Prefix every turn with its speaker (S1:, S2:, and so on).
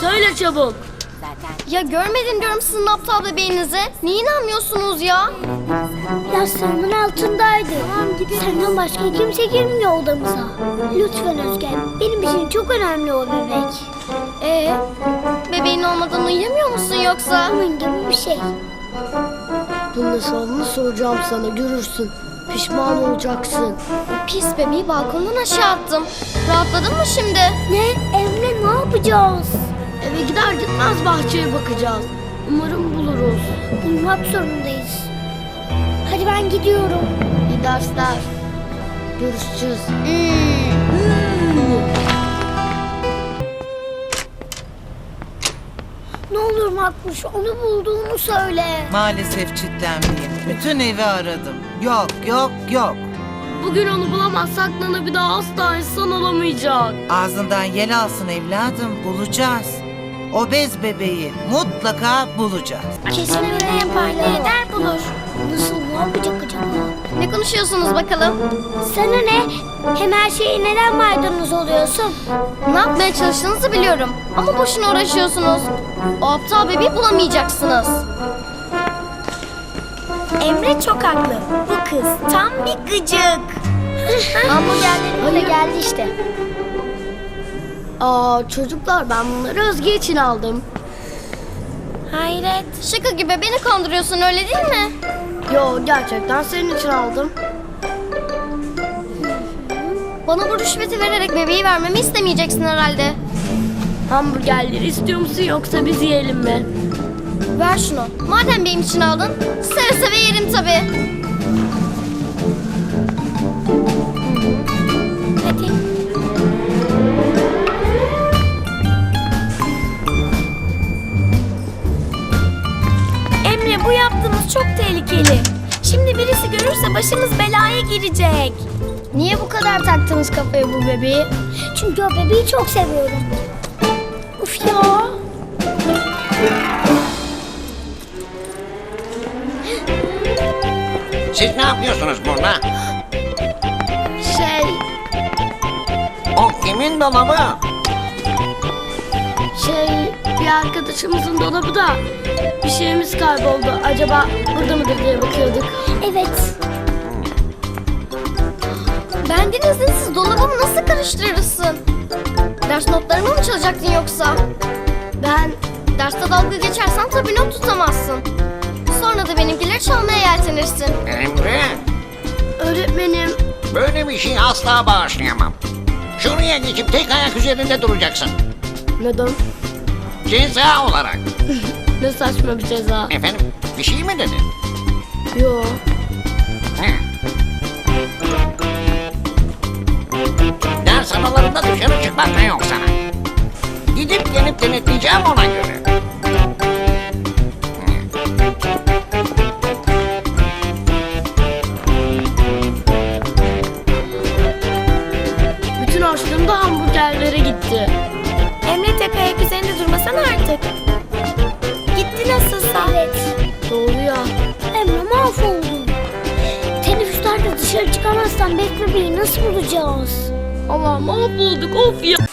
S1: Söyle çabuk.
S2: Ya görmedim diyorum sizin aptal bebeğinizi. Niye inanmıyorsunuz ya?
S3: Yastığımın altındaydı. Tamam gidelim. Senden başka kimse girmiyor odamıza. Lütfen Özgen. Benim için çok önemli o bebek.
S2: Bebeğin olmadan uyuyamıyor musun yoksa?
S3: Onun gibi bir şey.
S1: Bunun hesabını soracağım sana, görürsün. Pişman olacaksın.
S2: Pis bebeği balkondan aşağı attım. Rahatladın mı şimdi?
S3: Ne? Emre ne yapacağız?
S1: Eve gider gitmez bahçeye bakacağız. Umarım buluruz.
S3: Bulmak zorundayız. Hadi ben gidiyorum.
S1: İyi dersler. Görüşeceğiz.
S3: Ne olur Makbuş onu bulduğunu söyle.
S4: Maalesef çitlenmeyeyim. Bütün evi aradım. Yok, yok, yok.
S1: Bugün onu bulamazsak Nana bir daha asla insan olamayacak.
S4: Ağzından yel alsın evladım. Bulacağız. O bez bebeği mutlaka bulacağız.
S3: Kesin Emre yapar ne eder bulur. Nasıl ne yapacak acaba?
S2: Ne konuşuyorsunuz bakalım?
S3: Sana ne? Hem her şeye neden maydanoz oluyorsun?
S2: Ne yapmaya çalıştığınızı biliyorum. Ama boşuna uğraşıyorsunuz. O aptal bebeği bulamayacaksınız.
S3: Emre çok haklı. Bu kız tam bir gıcık. Hamburgerlerimiz de geldi işte.
S1: Çocuklar ben bunları Özge için aldım.
S3: Hayret.
S2: Şaka gibi beni kandırıyorsun öyle değil mi?
S1: Yo gerçekten senin için aldım.
S2: Bana bu rüşveti vererek bebeği vermemi istemeyeceksin herhalde.
S1: Hamburgerleri istiyor musun yoksa biz yiyelim mi?
S2: Ver şunu. Madem benim için aldın, seve seve yerim tabii.
S3: Hadi. Emre bu yaptığınız çok tehlikeli. Şimdi birisi görürse başımız belaya girecek.
S2: Niye bu kadar taktınız kafaya bu bebeği?
S3: Çünkü o bebeği çok seviyorum. Uf ya.
S5: Siz ne yapıyorsunuz burada? O kimin dolabı?
S1: Bir arkadaşımızın dolabı da bir şeyimiz kayboldu. Acaba burada mıdır diye bakıyorduk.
S3: Evet.
S2: Benden izinsiz dolabımı nasıl karıştırırsın? Ders notlarımı mı çalacaktın yoksa?
S1: Ben
S2: Derste dalga geçersen tabii not tutamazsın. Sonra da benimkileri çalmaya yeltenirsin.
S5: Emre,
S1: öğretmenim
S5: böyle bir şey asla bağışlayamam. Şuraya geçip tek ayak üzerinde duracaksın.
S1: neden?
S5: Ceza olarak.
S1: Ne saçma bir ceza.
S5: Efendim, bir şey mi dedin?
S1: Yo.
S5: He. Ders aralarında dışarı çıkmak da yok sana. Gidip gelip denetleyeceğim ona göre.
S1: Bütün harçlığım da hamburgerlere gitti.
S3: Emre tek ayak üzerinde durmasana artık. Gitti nasılsa. Evet.
S1: Doğru ya.
S3: Emre mahvoldum. Teneffüslerde dışarı çıkamazsan Bek bebeği nasıl bulacağız?
S1: Allah mahvolduk of ya.